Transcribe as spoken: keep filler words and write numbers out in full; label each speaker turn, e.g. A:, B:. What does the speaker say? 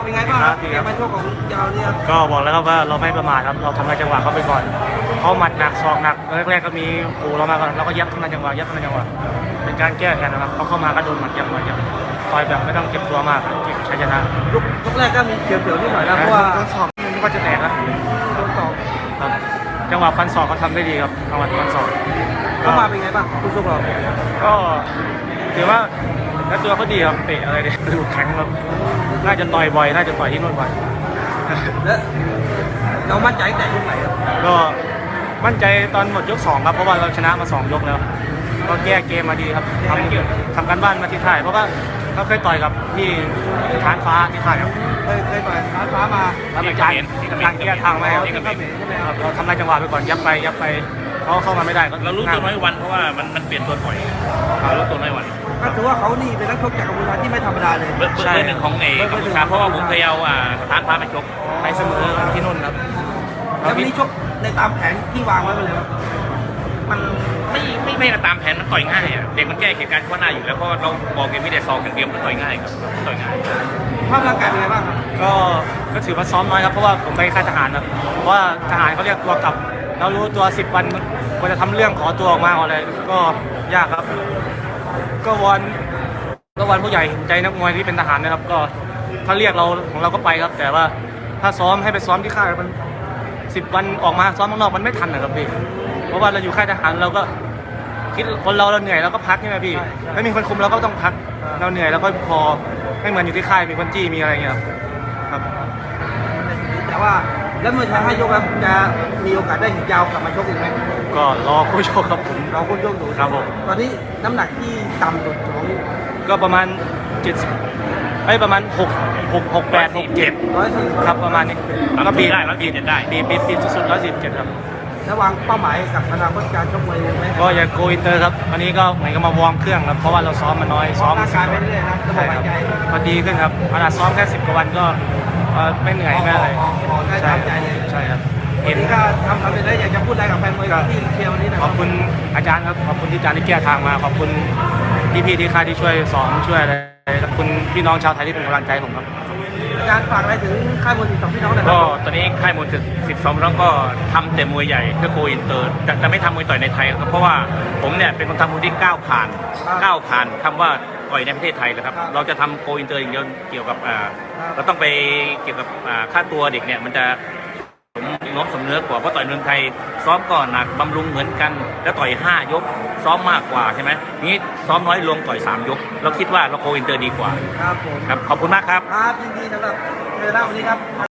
A: เป็นไงบ้างครับเกมมาโชคของยาวเนี่ย
B: ก็บอกแล้วครับว่าเราไม่ประมาทครับเราทำลายจังหวะเขาไปก่อนเขาหมัดหนักศอกหนักแรกๆก็มีขู่เรามาก่อนเราก็ยับทำลายจังหวะยับทำลายจังหวะเป็นการแก้แค้นนะครับเขาเข้ามาก็โดนหมัดยับหมัดยับต่อยแบบไม่ต้องเก็บตัวมากเก็บชัยชนะ
A: ลุกลุกแรกก็มีเสียวๆนิดหน่อยนะเพราะว่า
B: ศอกมันก็จะแตกนะ
A: โดนศอก
B: ครับจังหวะฟันศอกเขาทำได้ดีครับจังหวะฟันศอก
A: เข้ามาเป็นไงบ้างคุณสุกเรา
B: ก็ถือว่าแล้วตัวเขาดีครับเตะอะไรเนี่ยดูแข็งครับน่าจะต่อยบ่อยน่าจะต่อยที่นู่นบ่อย
A: แล้วเรามั่นใจแต่ยกไหนครับ
B: ก็มั่นใจตอนหมดยกสองครับเพราะว่าเราชนะมาสองยกแล้วก็แก้เกมมาดีครับทำทำการบ้านมาที่ค่ายเพราะว่าเขาเคยต่อยกับที่ฐานฟ้าที่ค่ายครับ
A: เคยเคยต่อยฐานฟ้ามา
B: แล้วเป็นการการแก้ทางไหมครับเราทำลายจังหวะไปก่อนยับไปยับไปเขาเข้ามาไม่ได้
C: เรารู้ตัวน้อยวันเพราะว่ามันมันเปลี่ยนตัวบ่อยเรารู้ตัวน้อยวัน
A: ก็ถือว่าเขานี่เป็นนักชกจากกัมพูชาที่ไม่ธรรมดาเลย
C: เบอร์หนึ่งของเอกกัมพูชาเพราะว่าผมเคยเอาฐานฟ้าไปชก
B: ไปเสมอที่นู่นครับ
A: แล้ววันนี้ชกในตามแผนที่วางไว้เลยครับ
C: มันไม่ไม่ไม่ตามแผนมันต่อยง่ายอ่ะเด็กมันแก้เหตุการณ์ข้อหน้าอยู่แล้วเพราะเราบอกเกมไม่ได้ซองอย่างเดียวมันต่อยง่ายครับต่อยง่าย
A: ภาพร่างกายเป็นไงบ้างครับ
B: ก็ก็ถือว่าซ้อมน้อยครับเพราะว่าผมไปค่ายทหารครับเพราะว่าทหารเขาเรียกตัวกลับเรารู้ตัวสิบวันกว่าจะทำเรื่องขอตัวออกมาอะไรก็ยากครับก็วอนก็วอนผู้ใหญ่เห็นใจนักมวยที่เป็นทหารนะครับก็ถ้าเรียกเราของเราก็ไปครับแต่ว่าถ้าซ้อมให้ไปซ้อมที่ค่ายมันสิบวันออกมาซ้อมข้างนอกมันไม่ทันนะครับพี่เพราะว่าเราอยู่ค่ายทหารเราก็คิดคนเราเราเหนื่อยเราก็พักใช่ไหมพี่ไม่มีคนคุมเราก็ต้องพักเราเหนื่อยแล้วก็พอไม่เหมือนอยู่ที่ค่ายมีคนจี้มีอะไรเงี้ยครับ
A: แต่ว่าแล้วเมื่อชายให้ยกแล้วจะมีโอกาสได้หินยาวกลับมาชกอีกไหม
B: ก็รอคู่ชกครับผม
A: รอคู่ชกอยู่
B: ครับผม
A: ตอนนี้น้ำหนักที่ต่ำสุดของ
B: ก็ประมาณเจ็ดไอ้ประมาณหกหกหกแปดหกเจ็ด
A: ร้อยสี่
B: ครับประมาณนี้
C: แล้วก็บีได้แล้วบีจะได้
B: บีบีบีสุดๆร้อยสิบเจ็ดครับ
A: ระวางเป้าหมายกับอนาคตการชกมวยไหม
B: ก็อยากโกอินเตอร์ครับวันนี้ก็เหมือนกับมาวอร์มเครื่องครับเพราะว่าเราซ้อมมาน้อยซ้อม
A: ร่างกายไปเรื่อยนะ
B: ใช่ครับพอดีขึ้นครับขนาดซ้อมแค่สิบกว่าวันก็ไม่เหนื่อยไม่อะไร
A: ใช่ใจเลย
B: ใช่ครับ
A: เห็นก็ทำทำไปได้อยากจะพูดอะไรกับแฟนมวยที่เชียร์วันนี้นะ
B: ขอบคุณอาจารย์ครับขอบคุณที่อาจารย์ที่แก้ทางมาขอบคุณพี่ๆที่ค่ายที่ช่วยสอนช่วยอะไรขอบคุณพี่น้องชาวไทยที่เป็นกำลังใจผมครับ
A: อาจารย์ฝากอะไรถึงค่ายมวยสิบสองพี่น้องหน่อย
C: ก็ตอนนี้ค่ายมวยสิบสองพี่น้องก็ทำแต่มวยใหญ่เพื่อโกอินเตอร์จะจะไม่ทำมวยต่อยในไทยครับเพราะว่าผมเนี่ยเป็นคนทำมวยที่ก้าวผ่านก้าวผ่านคำว่าต่อยในประเทศไทยเลยครับเราจะทำโกอินเตอร์อย่างเดียวเกี่ยวกับอ่าเราต้องไปเกี่ยวกับอ่าค่าตัวเด็กเนี่ยมันจะน้อมสำเนื้อกว่าเพราะต่อยเมืองไทยซ้อมก่อนหนักบำรุงเหมือนกันแล้วต่อยห้ายกซ้อมมากกว่าใช่ไหมนี้ซ้อมน้อยลงต่อยสามยกเราคิดว่าเราโกอินเตอร์ดีกว่า
A: ครับผม
C: ครับขอบคุณมากครับ
A: ครับยินดีสำหรับเจอหน้าวันนี้ครับ